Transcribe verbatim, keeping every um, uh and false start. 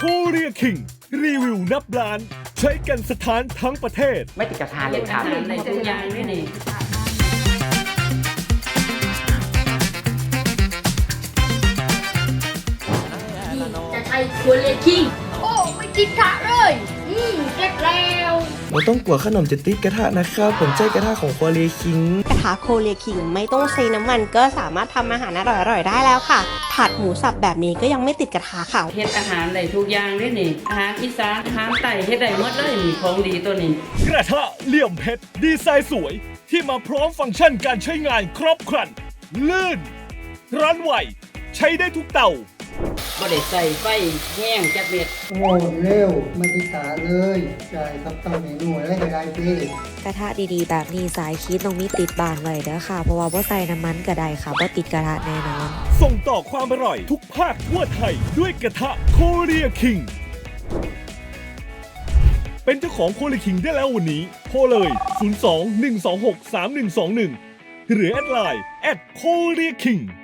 เรียคิงรีวิวนับล้านใช้กันสถานทั้งประเทศไม่ติดกระทะเลยครับในทุกอย่างนี่นี่จะใช้ครัวเลคิงโอ้ไม่ติดกระเลย อืมเก็บแล้วไม่ต้องกลัวขนมจะติดกระทะนะครับผมใช้กระทะของครัวเรคิงกระทะโคเรียคิงไม่ต้องใช้น้ำมันก็สามารถทำอาหารอร่อยๆได้แล้วค่ะผัดหมูสับแบบนี้ก็ยังไม่ติดกระทะค่ะเฮ็ดอาหารในทุกอย่างนี่นี่อาหารอีสานอาหารไต่เฮ็ดได้หมดเลยนี่ของดีตัวนี้กระทะเหลี่ยมเพชรดีไซน์สวยที่มาพร้อมฟังก์ชันการใช้งานครบครันลื่นร้อนไหวใช้ได้ทุกเตาบ่ได้ใส่ไฟแห้งจักเม็ดโอ้เร็วไม่ติดกาเลยใช่ครับทำเมนูอะไรก็ได้พี่กระทะดีๆแบบนี้สายคิดต้องมีติดบานไว้เด้อค่ะเพราะว่าบ่ใส่น้ำมันก็ได้ค่ะบ่ติดกระทะแน่นอนส่งต่อความอร่อยทุกภาคทั่วไทยด้วยกระทะโคเรียคิงเป็นเจ้าของโคเรียคิงได้แล้ววันนี้โทรเลยศูนย์ สอง หนึ่ง สอง หก สาม หนึ่ง สอง หนึ่งหรือแอดไลน์แอดโคเรียคิง